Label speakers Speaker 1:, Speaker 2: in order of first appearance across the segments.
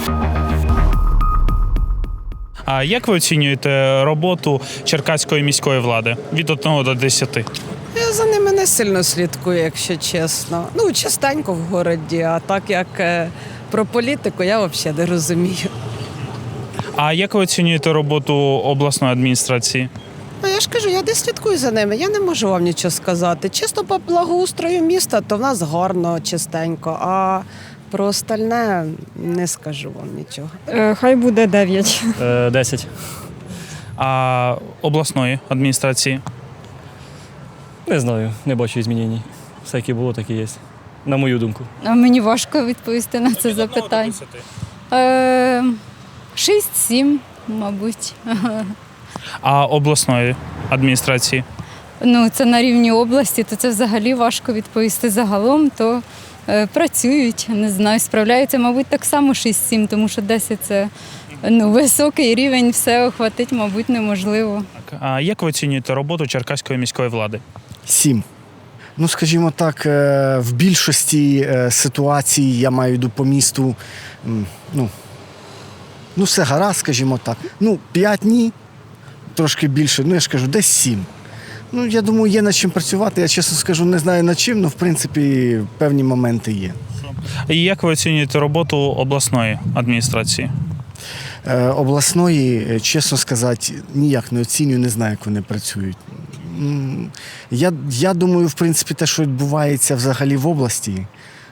Speaker 1: А як ви оцінюєте роботу Черкаської міської влади від 1 до 10?
Speaker 2: Я за ними не сильно слідкую, якщо чесно. Ну, частенько в городі, а так як про політику я взагалі не розумію.
Speaker 1: А як ви оцінюєте роботу обласної адміністрації?
Speaker 2: Ну, я ж кажу, я десь слідкую за ними, я не можу вам нічого сказати. Чисто по благоустрою міста, то в нас гарно, чистенько, а про остальне не скажу вам нічого.
Speaker 3: Хай буде 9.
Speaker 4: 10.
Speaker 1: А обласної адміністрації?
Speaker 4: Не знаю, не бачу змінень. Все, яке було, так і є. На мою думку.
Speaker 5: А мені важко відповісти на це запитання. 6-7, мабуть.
Speaker 1: А обласної адміністрації?
Speaker 5: Ну, це на рівні області, то це взагалі важко відповісти загалом, то працюють, не знаю, справляються, мабуть, так само 6-7, тому що 10 – це високий рівень, все охватить, мабуть, неможливо.
Speaker 1: А як ви оцінюєте роботу Черкаської міської влади?
Speaker 6: 7. Ну, скажімо так, в більшості ситуацій, я маю в виду по місту, все гаразд, скажімо так. 5 ні, трошки більше, я ж кажу, десь 7. Я думаю, є над чим працювати. Я чесно скажу, не знаю над чим, але в принципі певні моменти є.
Speaker 1: І як ви оцінюєте роботу обласної адміністрації?
Speaker 6: Обласної, чесно сказати, ніяк не оцінюю, не знаю, як вони працюють. Я думаю, в принципі, те, що відбувається взагалі в області,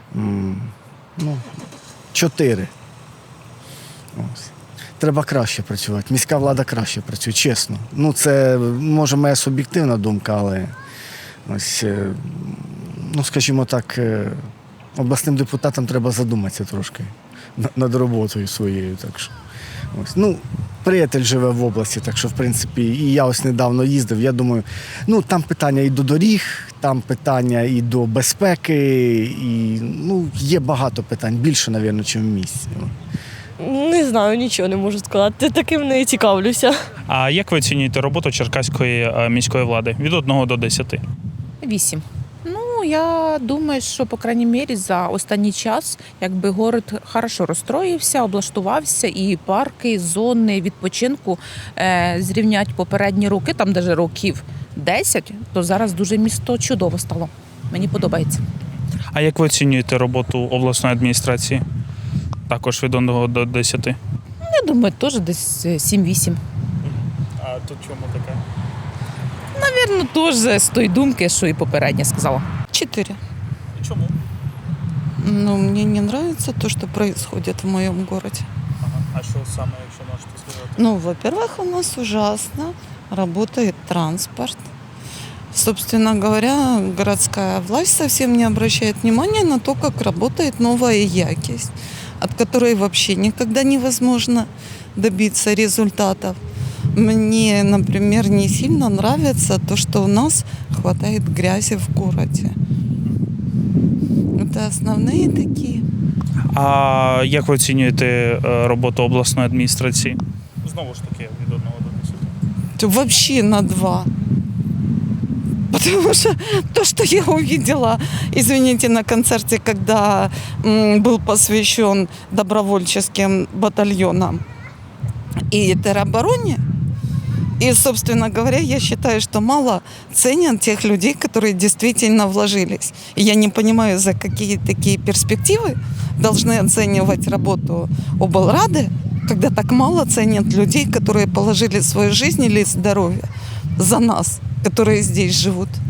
Speaker 6: 4. Ось. Треба краще працювати. Міська влада краще працює, чесно. Це, може, моя суб'єктивна думка, але ось, скажімо так, обласним депутатам треба задуматися трошки над роботою своєю. Так що, ось. Приятель живе в області, так що, в принципі, і я ось недавно їздив, я думаю, там питання і до доріг, там питання і до безпеки, і, є багато питань, більше, мабуть, ніж в місті.
Speaker 7: Не знаю, нічого не можу сказати, таким не цікавлюся.
Speaker 1: А як ви оцінюєте роботу Черкаської міської влади від 1 до 10?
Speaker 8: 8. Я думаю, що, по крайній мірі, за останній час, город хорошо розстроївся, облаштувався, і парки, і зони відпочинку зрівнять попередні роки, там навіть років 10, то зараз дуже місто чудово стало. Мені подобається.
Speaker 1: А як ви оцінюєте роботу обласної адміністрації? Також від 1 до 10?
Speaker 8: Я думаю, теж десь 7-8.
Speaker 1: А тут чому таке?
Speaker 8: Навірно, теж з тої думки, що і попередня сказала.
Speaker 9: 4.
Speaker 1: Чому?
Speaker 9: Мне не нравится то, что происходит в моем городе.
Speaker 1: А що саме, якщо можете сказати?
Speaker 9: Во-первых, у нас ужасно работает транспорт. Собственно говоря, городская власть совсем не обращает внимания на то, как работает новая якость, от которой вообще никогда невозможно добиться результатов. Мне, например, не сильно нравится то, что у нас хватает грязи в городе. Это основные такие.
Speaker 1: А як ви оцінюєте роботу обласної адміністрації? Знову ж таки, від 1 до 10.
Speaker 9: Вообще на 2. Потому что то, что я увидела, извините, на концерте, когда был посвящен добровольческим батальонам и теробороне, и, собственно говоря, я считаю, что мало ценят тех людей, которые действительно вложились. И я не понимаю, за какие такие перспективы должны оценивать работу облрады, когда так мало ценят людей, которые положили свою жизнь или здоровье за нас, которые здесь живут.